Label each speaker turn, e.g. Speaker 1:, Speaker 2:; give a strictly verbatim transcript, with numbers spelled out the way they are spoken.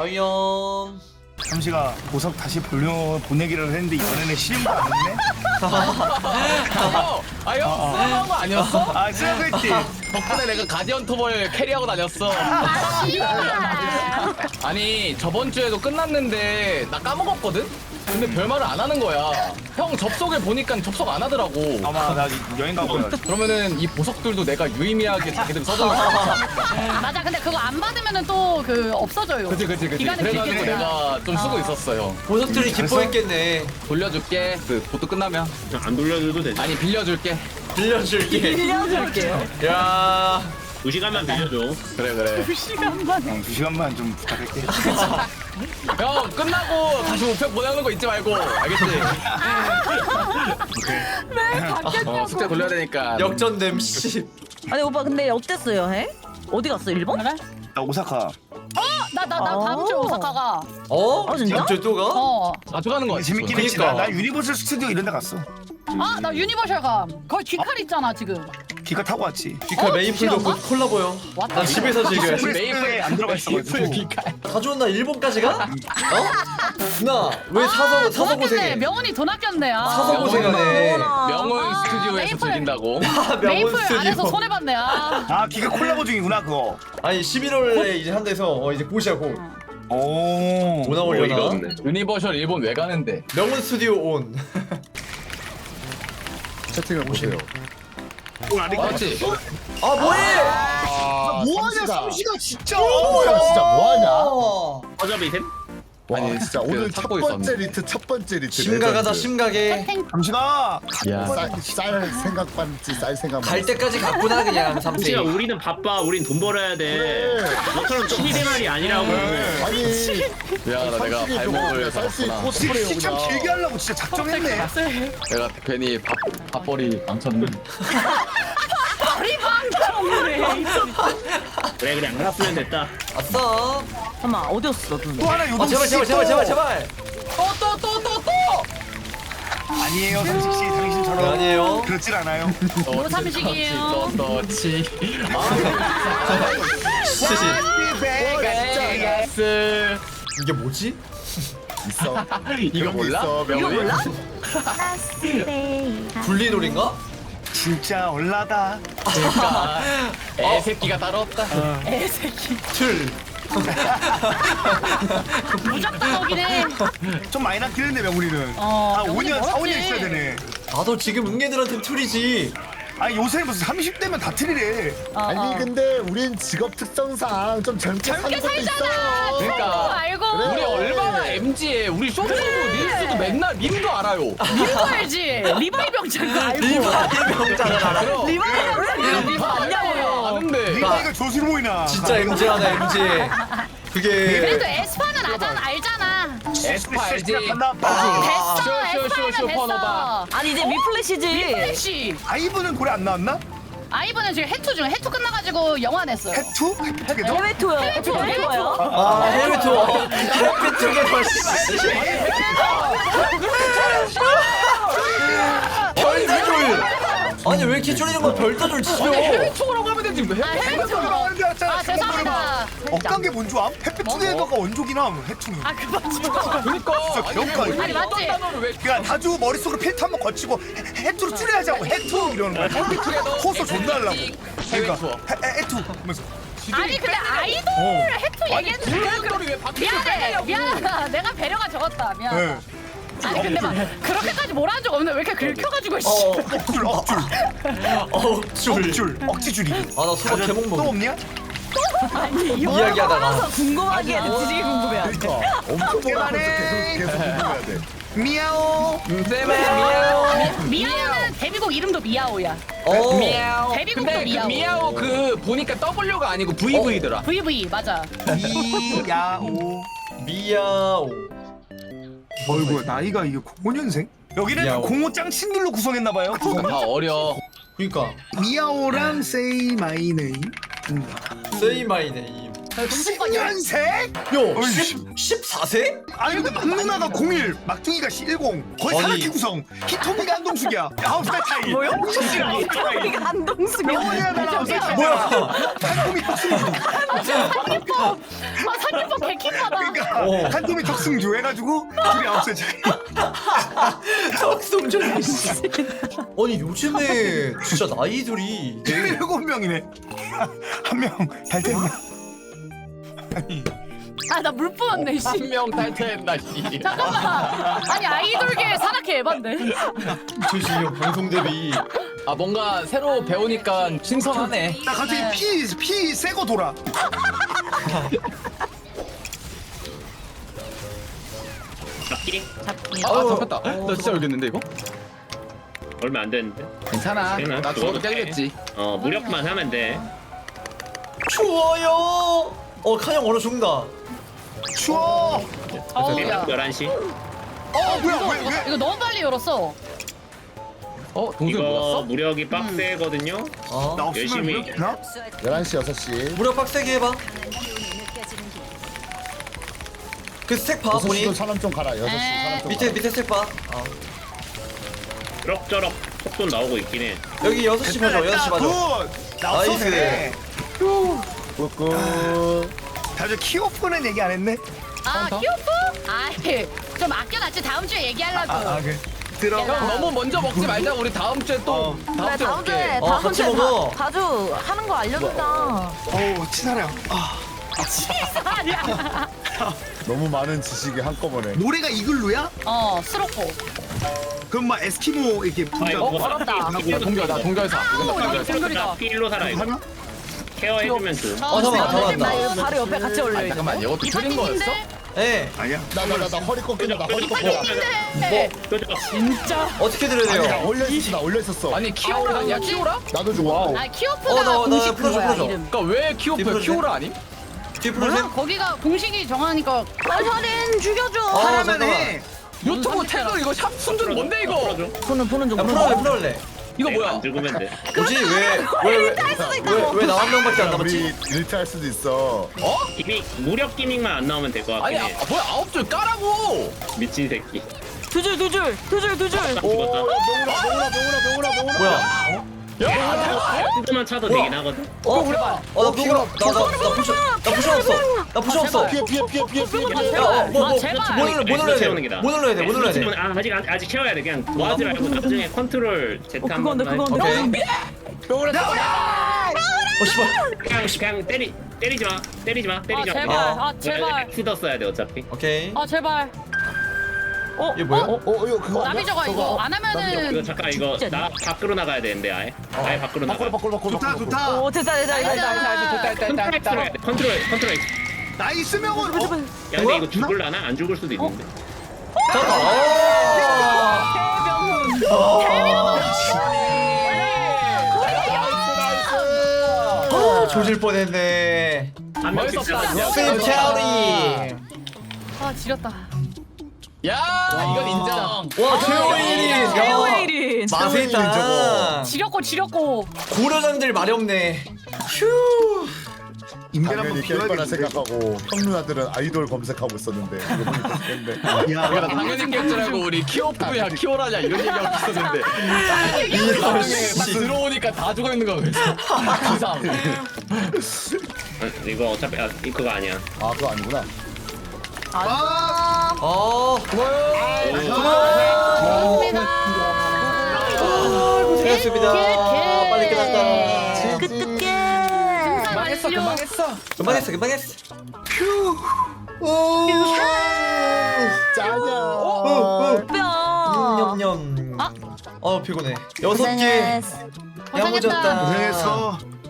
Speaker 1: 허영.
Speaker 2: 잠시가 보석 다시 보려 보내기를 했는데 이번에는 실행도 안 했네.
Speaker 3: 아형 아형 쓰러운 거 아니었어?
Speaker 2: 아 쓰레기.
Speaker 3: 덕분에 내가 가디언 토벌 캐리하고 다녔어. 아니 저번 주에도 끝났는데 나 까먹었거든? 근데 별말을 안 하는 거야. 형 접속을 보니까 접속 안 하더라고.
Speaker 2: 아마 나 여행 가고요.
Speaker 3: 그러면은 이 보석들도 내가 유의미하게 자기들 써주는 거야.
Speaker 4: 맞아. 근데 그거 안 받으면은 또 그 없어져요.
Speaker 3: 그치 그치 그치.
Speaker 4: 기간은
Speaker 3: 그래가지고
Speaker 4: 길게
Speaker 3: 내가 좀 쓰고 있었어요.
Speaker 1: 보석들이 기뻐했겠네.
Speaker 3: 돌려줄게. 그 보트 끝나면.
Speaker 5: 안 돌려줘도 되지.
Speaker 3: 아니 빌려줄게.
Speaker 1: 빌려줄게.
Speaker 4: 빌려줄게요.
Speaker 1: 야.
Speaker 5: 두 시간만 빌려줘.
Speaker 3: 그래 그래.
Speaker 4: 두 시간만.
Speaker 2: 형, 두 시간만 좀 부탁할게.
Speaker 3: 형 끝나고 다시 우편 보내는 거 잊지 말고. 알겠지?
Speaker 4: 왜 바뀌었냐고.
Speaker 3: 어 숙제 돌려야 되니까.
Speaker 1: 역전됨 씨.
Speaker 6: 아니 오빠 근데 어땠어요 해? 어디 갔어 일본?
Speaker 4: 그래?
Speaker 2: 나 오사카.
Speaker 4: 나 나 나 다음 주에
Speaker 6: 어.
Speaker 4: 오사카 가.
Speaker 1: 어?
Speaker 6: 아, 진짜?
Speaker 1: 진짜 또 가?
Speaker 4: 어.
Speaker 3: 자주 가는 거 같아.
Speaker 2: 재밌긴 했지.
Speaker 1: 그니까.
Speaker 2: 나, 나 유니버설 스튜디오 이런 데 갔어.
Speaker 4: 아, 나 유니버셜 감. 거기 귀칼 있잖아, 지금.
Speaker 2: 기가 타고 왔지.
Speaker 1: 귀칼
Speaker 4: 어,
Speaker 1: 메이플도
Speaker 4: 귀여운가?
Speaker 1: 곧 콜라보요.
Speaker 4: 왔다.
Speaker 1: 난 집에서 즐겨야지.
Speaker 2: 프레스에 안 들어가 있어가지고.
Speaker 1: 가져온 나 일본까지 가? 어? 누나 왜 사서
Speaker 4: 아,
Speaker 1: 사서
Speaker 4: 돈 아꼈네.
Speaker 1: 고생해?
Speaker 4: 명훈이 돈 아꼈네. 아.
Speaker 1: 사서 고생하네.
Speaker 3: 명원
Speaker 4: 아,
Speaker 3: 스튜디오에서
Speaker 4: 메이플.
Speaker 3: 즐긴다고.
Speaker 1: 아, 명원
Speaker 4: 메이플 안에서
Speaker 1: 스튜디오.
Speaker 4: 손해봤네. 아.
Speaker 2: 아 기가 콜라보 중이구나 그거.
Speaker 1: 아니 십일월에 이제 한대서 어 이제 곧이야 곧.
Speaker 2: 오.
Speaker 1: 뭐 나오려나?
Speaker 3: 유니버셜 일본 왜 가는데?
Speaker 1: 명문 스튜디오 온.
Speaker 3: 채팅을 보세요. 맞지?
Speaker 1: 아 뭐해?
Speaker 2: 뭐하냐 삼시가 진짜.
Speaker 7: 뭐야 진짜 뭐하냐?
Speaker 1: 어.
Speaker 5: 어차피 템?
Speaker 7: 와 진짜
Speaker 3: 그
Speaker 7: 오늘 첫
Speaker 3: 찾고
Speaker 7: 번째
Speaker 3: 있었는데.
Speaker 7: 리트 첫 번째 리트
Speaker 1: 심각하다 심각해.
Speaker 4: 탱.
Speaker 2: 잠시가.
Speaker 3: 야.
Speaker 7: 쌀, 쌀 생각 반지 쌀 생각
Speaker 1: 갈 때까지 갔구나 그냥 삼세.
Speaker 5: 혹시나 우리는 바빠. 우린 돈 벌어야 돼.
Speaker 7: 그래.
Speaker 5: 너처럼 취미생활이 아니라고.
Speaker 7: 아니
Speaker 3: 미안하다 내가 발목을
Speaker 7: 쌀수 있고
Speaker 3: 잡았구나.
Speaker 7: 스프레이
Speaker 2: 시참
Speaker 7: 오구나
Speaker 2: 길게 하려고 진짜 작정했네.
Speaker 3: 내가 괜히 밥, 밥벌이 망쳤네.
Speaker 5: 그래 그래 안 갔으면 됐다.
Speaker 1: 아싸.
Speaker 6: 잠깐만 어디였어 눈?
Speaker 2: 또 하나
Speaker 1: 아
Speaker 2: 요동
Speaker 1: 제발 제발 제발 제발 제발.
Speaker 3: 또 또 또 또 또!
Speaker 2: 아니에요 삼식 씨 당신처럼.
Speaker 1: 네, 아니에요.
Speaker 2: 그렇질 않아요.
Speaker 4: 뭐 삼식이에요?
Speaker 3: 또또치.
Speaker 1: 시시.
Speaker 3: 베가스.
Speaker 1: 이게 뭐지?
Speaker 7: 있어
Speaker 3: 이거 몰라?
Speaker 7: 있어,
Speaker 6: 이거
Speaker 7: 명훈이.
Speaker 6: 몰라?
Speaker 1: 분리놀인가?
Speaker 2: 진짜 얼라다.
Speaker 3: 그러니까 애새끼가 따로 없다.
Speaker 4: 애새끼.
Speaker 1: 틀.
Speaker 4: 무조건 오긴 해.
Speaker 2: 좀 많이 남긴 했네 명훈이는.
Speaker 4: 어,
Speaker 2: 아 오
Speaker 4: 명훈이
Speaker 2: 년 사 오 년
Speaker 4: 멀었지.
Speaker 2: 있어야 되네.
Speaker 1: 나도 지금 응애들한테 틀이지.
Speaker 2: 아니 요새는 무슨 삼십 대면 다 틀리래.
Speaker 4: 어,
Speaker 7: 아니
Speaker 4: 어.
Speaker 7: 근데 우린 직업 특성상 좀 젊게 사는
Speaker 4: 젊게
Speaker 7: 것도
Speaker 4: 살잖아.
Speaker 7: 있어
Speaker 3: 그러니까.
Speaker 4: 알고.
Speaker 3: 우리 얼마나 엠지에 우리 쇼츠도 릴스도 맨날 밈도 알아요.
Speaker 4: 민도 알지? 리바이 병장 알고.
Speaker 1: 리바이 명장을 알아.
Speaker 3: 그럼
Speaker 6: 리바이 병장이랑 리바
Speaker 3: 다
Speaker 6: 아니냐고요.
Speaker 3: 아는데.
Speaker 2: 네가 이거 조수로 보이나.
Speaker 1: 진짜 엠지하다 엠지.
Speaker 4: 그래도
Speaker 1: 그게
Speaker 4: 에스파는 알잖아. 알잖아.
Speaker 3: 에스파 알지?
Speaker 2: 간다.
Speaker 4: 됐어.
Speaker 3: 쇼, 쇼, 쇼,
Speaker 4: 에스파면
Speaker 3: 슈퍼노바.
Speaker 4: 됐어.
Speaker 6: 아니 이제 미플래시지.
Speaker 4: 플래시.
Speaker 2: 아이브는 노래 안 나왔나?
Speaker 4: 아이브는 지금 해투 중 해투 끝나가지고 영화 냈어요.
Speaker 2: 해투? 해투게더?
Speaker 6: 해외 투어.
Speaker 4: 해외 투어,
Speaker 6: 해외
Speaker 4: 해외
Speaker 6: 투어요?
Speaker 1: 아 해외 투어. 해외 투게더 씨. 별따줄. 아니 왜 이렇게 줄이는 건 별따줄 치죠?
Speaker 3: 해외 투어라고 하면 되지. 왜
Speaker 4: 아, 해외 투어. 아 죄송합니다.
Speaker 2: 억간 게 뭔 줄 암? 해투게더가 원조기나 해투.
Speaker 4: 아 그만 좀.
Speaker 3: 그니까.
Speaker 2: 진짜 기억가.
Speaker 3: 아니,
Speaker 4: 아니, 맞지?
Speaker 3: 어떤 단어를 왜
Speaker 2: 그러니까 다주 머릿속으로 필터 한번 거치고 해- 해투로 줄여야지하고 해투 이러는 거야. 호소 존나 하려고.
Speaker 3: 해외
Speaker 2: 그러니까
Speaker 3: 투어.
Speaker 2: 해- 해- 해투 하면서.
Speaker 4: 아니 근데 아이돌 해투
Speaker 3: 아니
Speaker 4: 얘기했는데
Speaker 3: 불러온돌이 왜 바뀌어?
Speaker 4: 미안해 미안하다 내가 배려가 적었다 미안.
Speaker 2: 네.
Speaker 4: 아니 근데 막 그렇게까지 뭐라 적 없는데 왜 이렇게 긁혀가지고 씨.
Speaker 1: 어
Speaker 2: 억줄 억줄
Speaker 1: 억줄.
Speaker 2: 억줄 억지줄이.
Speaker 1: 아나 수박 개목
Speaker 2: 또
Speaker 1: 먹.
Speaker 2: 없냐?
Speaker 1: 이야기하다가.
Speaker 6: 궁금하게 되게 궁금해.
Speaker 7: 그러니까 엄청 뭐라 하면서 계속 계속 궁금해야 돼
Speaker 2: 미야오.
Speaker 3: 제발 미야오.
Speaker 4: 미야오는 데뷔곡 이름도 미야오야.
Speaker 1: 어.
Speaker 3: 미야오.
Speaker 4: 데뷔곡도
Speaker 3: 근데 그
Speaker 4: 미야오.
Speaker 3: 미야오 그 보니까 W가 아니고 브이브이더라.
Speaker 4: 브이브이 맞아.
Speaker 2: 미야오.
Speaker 1: 미야오.
Speaker 2: 어이구 나이가 이게 공오 년생? 여기는
Speaker 1: 미야오.
Speaker 2: 공오 짱친들로 구성했나봐요.
Speaker 3: 다 어려.
Speaker 1: 그니까
Speaker 2: 미야오랑 Say My Name.
Speaker 1: Say my name.
Speaker 2: 십 년생?
Speaker 1: 요
Speaker 2: 어이씨.
Speaker 1: 십사 세?
Speaker 2: 아니 근데 막 누나가 공일, 막둥이가 십일, 거의
Speaker 1: 아니.
Speaker 2: 사각기 구성. 히토미가 한동숙이야. 아홉 살 차이.
Speaker 6: 뭐요?
Speaker 2: 씨랑 아홉 살 차이.
Speaker 6: 우리가 한동숙이
Speaker 2: 영원이야 나랑 아홉 살 차이.
Speaker 1: 뭐야?
Speaker 2: 달콤이 박수주.
Speaker 4: 아 상규법 개킹받아.
Speaker 2: 그러니까
Speaker 1: 어.
Speaker 2: 한 놈이 적승주 해가지고 둘이 아홉 살 차이.
Speaker 1: 적성전. 아니 요즘에 진짜 나이들이 되게
Speaker 2: 일곱 명이네. 한 명 달태했네. 아니
Speaker 4: 아 나 물 뿌렸네 씨.
Speaker 3: 한 명 탈퇴했나 씨.
Speaker 4: 잠깐만. 아니 아이돌계 산악회 에반데.
Speaker 1: 이천십육 방송 대비.
Speaker 3: 아 뭔가 새로 배우니까 신선하네.
Speaker 2: 나 갑자기 피 피 세고 돌아.
Speaker 5: 잡기
Speaker 6: 잡기.
Speaker 3: 아 잡혔다. 나 진짜 열겠는데 이거?
Speaker 5: 얼마 안 됐는데.
Speaker 3: 괜찮아.
Speaker 5: 괜찮아.
Speaker 3: 나 죽어도
Speaker 5: 죽어도 돼.
Speaker 3: 깨겠지.
Speaker 5: 어 무력만 하면 돼.
Speaker 1: 추워요. 어 칸형 얼어 죽는다.
Speaker 2: 추워.
Speaker 4: 어우야.
Speaker 5: 열한 시.
Speaker 2: 어 뭐야 왜 왜?
Speaker 4: 이거 너무 빨리 열었어.
Speaker 3: 어 동생
Speaker 5: 이거
Speaker 3: 몰랐어?
Speaker 5: 무력이 빡세거든요.
Speaker 1: 어.
Speaker 2: 나 없으면
Speaker 5: 열심히.
Speaker 2: 그렇구나?
Speaker 7: 열한 시 여섯 시
Speaker 1: 무력 빡세게 해봐. 그 스택 봐
Speaker 7: 여섯 시도
Speaker 1: 보니.
Speaker 7: 사람 좀 가라 여섯 시 사람 좀
Speaker 1: 밑에 밑에 스택 봐. 어.
Speaker 5: 그럭저럭 속도 나오고 있긴 해.
Speaker 1: 여기 여섯 시 봐줘. 여섯 시 봐줘.
Speaker 2: 굿. 나
Speaker 1: 나이스.
Speaker 2: 없었네.
Speaker 7: 꾹꾹
Speaker 2: 다들 키오프는 얘기 안 했네.
Speaker 4: 아 키오프? 아이 좀 아껴놨지 다음 주에 얘기하려고.
Speaker 2: 아 그래. 들어.
Speaker 3: 형 너무 먼저 먹지 말자. 우리 다음 주에 또
Speaker 2: 어.
Speaker 3: 다음
Speaker 6: 그래
Speaker 3: 주에
Speaker 6: 다음 주에
Speaker 3: 먹게.
Speaker 1: 어,
Speaker 6: 다음
Speaker 1: 같이
Speaker 6: 주에
Speaker 1: 먹어.
Speaker 6: 다- 자주 하는 거 알려준다.
Speaker 2: 어우 치사해요. 아,
Speaker 4: 아니야.
Speaker 7: 너무 많은 지식이 한꺼번에
Speaker 2: 노래가 이글루야?
Speaker 4: 어 수록고.
Speaker 2: 그럼 막 에스키모 이렇게
Speaker 5: 아
Speaker 2: 분장.
Speaker 5: 이거 뭐
Speaker 6: 어렵다.
Speaker 3: 나 동결 나 동결사. 이건 나
Speaker 4: 아우
Speaker 3: 동결사.
Speaker 4: 여기 동결이다.
Speaker 5: 필로 살아 이거.
Speaker 2: 하나?
Speaker 5: 케어해주면 좋.
Speaker 1: 어, 잠깐만, 잠깐만.
Speaker 6: 나 이거 바로 옆에 같이 올려.
Speaker 3: 아
Speaker 6: 이거.
Speaker 3: 잠깐만 이것도 틀린 거였어?
Speaker 1: 예.
Speaker 2: 아니야.
Speaker 7: 나 나 나 나 허리 꺾인다 나 허리 꺾여
Speaker 4: 네.
Speaker 5: 끄죠.
Speaker 4: 진짜.
Speaker 1: 어떻게 들어야
Speaker 7: 아니 나
Speaker 1: 돼요?
Speaker 7: 올려 있었어 나 올려 있었어
Speaker 3: 아니 키오라 아니야 키오라?
Speaker 7: 나도 좋아
Speaker 4: 아
Speaker 1: 어,
Speaker 4: 키오프가
Speaker 1: 나- 나
Speaker 4: 공식
Speaker 1: 풀어줘,
Speaker 4: 그거야
Speaker 1: 풀어줘.
Speaker 4: 이름.
Speaker 3: 그러니까 왜 키오프야?
Speaker 1: 디프로세?
Speaker 3: 키오라 아님?
Speaker 1: 뒤풀으세요?
Speaker 4: 거기가 공식이 정하니까.
Speaker 6: 살인 죽여줘.
Speaker 1: 아,
Speaker 2: 하라면
Speaker 1: 잠깐만.
Speaker 2: 해.
Speaker 3: 유튜브 태그 이거 샵 순준 뭔데 이거?
Speaker 5: 풀어줘.
Speaker 6: 보는 보는 중.
Speaker 1: 야 풀어올래 풀어올래.
Speaker 3: 이거 뭐야?
Speaker 5: 안 죽으면 돼.
Speaker 1: 뭐지 왜왜왜왜나 한 명밖에 안
Speaker 7: 우리
Speaker 1: 남았지?
Speaker 7: 일탈 수도 있어
Speaker 5: 기믹 무력 기믹만 안 나오면 될 것
Speaker 3: 아니
Speaker 5: 같긴
Speaker 3: 아,
Speaker 5: 해.
Speaker 3: 뭐야 아홉 줄 까라고?
Speaker 5: 미친 새끼.
Speaker 6: 두 줄 두 줄 두 줄 두 줄.
Speaker 7: 오 명훈아 명훈아 명훈아 명훈아 명훈아
Speaker 1: 뭐야?
Speaker 5: 한두만 차도
Speaker 1: 뭐야?
Speaker 5: 되긴 하거든.
Speaker 1: 어? 어나 부끄러 나나나 부셔 나 부셔 없어. 나 부셔 없어.
Speaker 7: 피해 피해 피해 피해 피해
Speaker 4: 아,
Speaker 7: 피해
Speaker 4: 제발.
Speaker 1: 야, 뭐,
Speaker 4: 아,
Speaker 1: 뭐,
Speaker 4: 제발.
Speaker 1: 뭐 눌러, 뭐 눌러야 돼?
Speaker 5: 채우는 게다.
Speaker 1: 뭐 눌러야 돼? 뭐 눌러야 돼?
Speaker 5: 아 아직 아직 아직 채워야 돼. 그냥 뭐 하지 말고 나중에 컨트롤 Z
Speaker 6: 어
Speaker 5: 한번
Speaker 6: 그건데 그건데.
Speaker 1: 오케이. 어 씨발.
Speaker 5: 그냥 그냥 때리 때리지 마. 때리지 마. 때리지
Speaker 4: 아,
Speaker 5: 마.
Speaker 4: 제발.
Speaker 1: 어.
Speaker 4: 아 제발.
Speaker 5: 후더 써야 돼 어차피.
Speaker 1: 오케이.
Speaker 4: 아 제발.
Speaker 6: 어
Speaker 1: 이게 뭐야?
Speaker 7: 어? 어 이거 그거 아니야?
Speaker 4: 남이 저거 이거 안
Speaker 5: 이거
Speaker 4: 하면은.
Speaker 5: 잠깐 이거 나 밖으로 나가야 되는데 아예. 아예 밖으로 나가.
Speaker 7: 바꿔 바꿔 바꿔
Speaker 2: 좋다
Speaker 7: 바꿔
Speaker 2: 좋다.
Speaker 6: 오 됐다 됐다 됐다.
Speaker 5: 컨트롤 해야 돼. 컨트롤 컨트롤.
Speaker 2: 나이스 명은. 어?
Speaker 5: 야 근데 이거 죽을라나? 안 죽을 수도 있는데.
Speaker 1: 잠깐. 아 조질 뻔했네.
Speaker 5: 한 명씩
Speaker 3: 멋있었다.
Speaker 5: 잡아.
Speaker 1: 세이브 캐리.
Speaker 4: 아 지렸다.
Speaker 3: 야 이건 인정.
Speaker 1: 와 최호일이. 야
Speaker 6: 최호일이.
Speaker 1: 맛에 있다.
Speaker 4: 지렸고 지렸고.
Speaker 1: 고려장들 말이 없네. 휴.
Speaker 2: 인벤 한번
Speaker 7: 당연히 깰 거라
Speaker 2: 비워야겠는데.
Speaker 7: 생각하고 형 누나들은 아이돌 검색하고 있었는데 이거 보니까 죽겠네
Speaker 2: 야.
Speaker 3: 당연히 깰 줄 알고 우리 키오프야 키오라냐 이런 얘기하고 있었는데
Speaker 1: 이
Speaker 3: 나중에
Speaker 1: 씨.
Speaker 3: 막 들어오니까 다 죽어 있는 거야 그래서 기상.
Speaker 5: 어, 이거 어차피 아, 이 그거 아니야.
Speaker 7: 아 그거 아니구나
Speaker 2: 아.
Speaker 1: 어. 고생하셨습니다. 빨리 끝났다.
Speaker 6: 끝끝게.
Speaker 3: 금방 했어 금방 했어.
Speaker 1: 금방 했어 금방 했어.
Speaker 7: 짜냐
Speaker 6: 뼈.
Speaker 1: 냠냠.
Speaker 4: 아.
Speaker 1: 어 피곤해. 여섯 개.
Speaker 6: 고생했어.
Speaker 1: 야무졌다.
Speaker 2: 고생했어.